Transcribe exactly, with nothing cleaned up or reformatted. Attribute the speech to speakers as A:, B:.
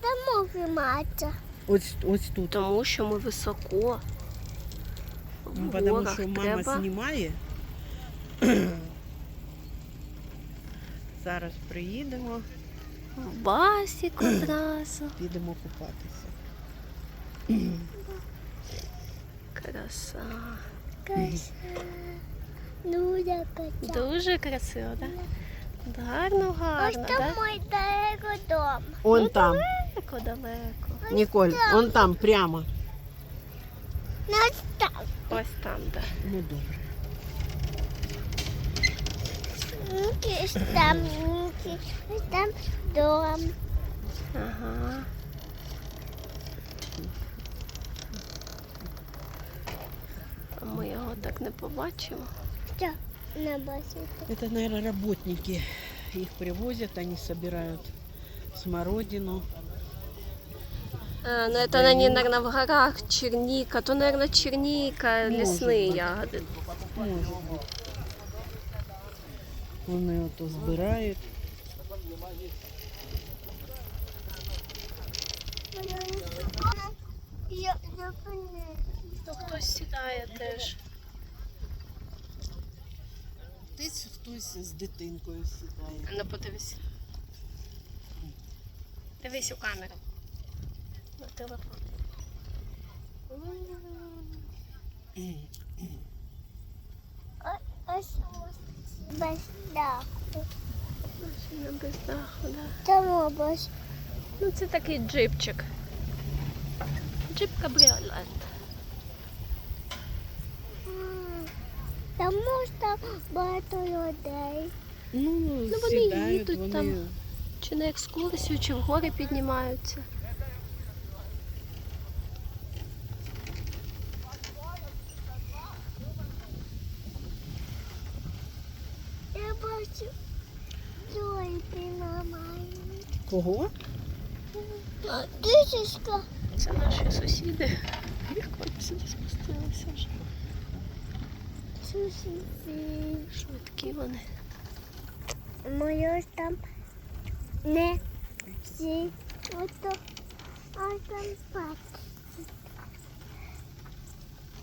A: там зніматися?
B: Ось, ось тут.
C: Тому що ми високо. В
B: Ну, тому
C: горах
B: що мама
C: треба.
B: знімає. Зараз приїдемо,
C: В басік одразу.
B: підемо купатися.
C: Краса.
A: Красиво. Дуже красиво.
C: Дуже красиво, так? Да? Гарно,
A: Ось
C: гарно,
A: там
C: так?
A: мой далеко дом.
B: Он там,
C: Далеко, далеко.
B: Ніколь, он там, прямо.
A: Ну, ось там.
C: Ось там, так.
B: Ну, добре.
A: Ось там, ось там дом.
C: Ага. А ми його так не побачимо.
A: Що? На басі.
B: Это, наверное, работники. Их привозят, они собирают смородину.
C: А, ну это они, наверное, в горах черника. То, наверное, черника,
B: Может
C: лесные
B: быть.
C: ягоды.
B: Может быть. Вони ото збирають.
A: Я, я поняла.
C: То хтось сідає теж.
B: Десь хтось з дитинкою сідає.
C: Ну, подивись. Дивись у камеру. На телефон.
A: Ось без даху.
C: Машина без даху, да.
A: Там без.
C: Ну, це такий джипчик. Джип-кабріолет.
A: Там можна багато людей.
B: Ну,
C: Ну, вони
B: сідають,
C: їдуть
B: вони...
C: там. Чи на екскурсію, чи в гори піднімаються.
A: Я бачу зойки нормальні.
B: Кого?
A: Дишечка.
C: Це наші сусіди. Їх коли сюди спустилися вже.
A: Сусіди.
C: Швидкі вони.
A: Моє ж там не всі. Ото, а там спать.